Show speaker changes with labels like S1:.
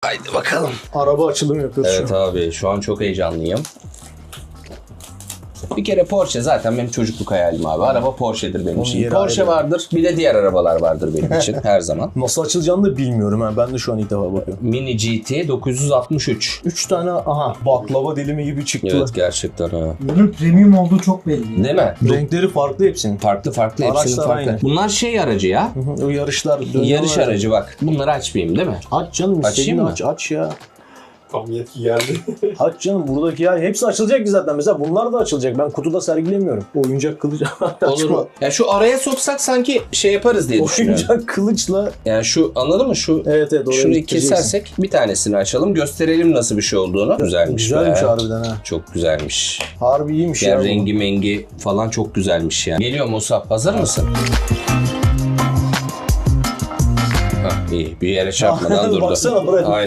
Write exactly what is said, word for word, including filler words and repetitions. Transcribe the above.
S1: Haydi bakalım.
S2: Araba açılımı yapıyoruz
S1: Evet
S2: şu an.
S1: abi şu an çok heyecanlıyım. Bir kere Porsche zaten benim çocukluk hayalim abi. Araba Porsche'dir benim
S2: Onun
S1: için.
S2: yeri
S1: Porsche
S2: ayrı.
S1: vardır. Bir de diğer arabalar vardır benim için her zaman.
S2: Nasıl açılacağını da bilmiyorum ha. Ben de şu an ilk defa bakıyorum.
S1: Mini G T dokuz yüz altmış üç.
S2: Üç tane aha baklava dilimi gibi çıktılar.
S1: Evet gerçekten ha.
S3: Ürün premium olduğu çok belli.
S1: Değil mi?
S2: Renkleri farklı hepsinin.
S1: Farklı farklı hepsinin
S2: Araçlar
S1: farklı.
S2: aynı.
S1: Bunlar şey aracı ya.
S2: Hı hı, o yarışlar.
S1: Yarış
S2: dönüyorlar.
S1: aracı bak. Bunları açmayayım değil mi?
S2: Aç canım.
S1: Açayım
S2: istediğini
S1: mı?
S2: Aç, aç ya.
S4: Tam yetki geldi.
S2: Aç canım buradaki ya hepsi açılacak ki zaten. Mesela bunlar da açılacak. Ben kutuda sergilemiyorum. Oyuncak kılıç.
S1: Olur mu? Ya şu araya soksak sanki şey yaparız diye düşünüyorum.
S2: Oyuncak kılıçla.
S1: Yani şu anladın mı? Şu
S2: Evet evet. oraya
S1: şurayı
S2: getireceksin.
S1: kesersek bir tanesini açalım. Gösterelim nasıl bir şey olduğunu. Güzelmiş,
S2: Güzelmiş
S1: be.
S2: harbiden ha.
S1: Çok güzelmiş.
S2: Harbi iyiymiş
S1: Yani
S2: ya. bu.
S1: rengi mengi falan çok güzelmiş ya. Geliyor Musab. Hazır mısın? Hah, iyi. Bir yere çarpmadan durdu.
S2: Baksana buraya.
S1: Aynen.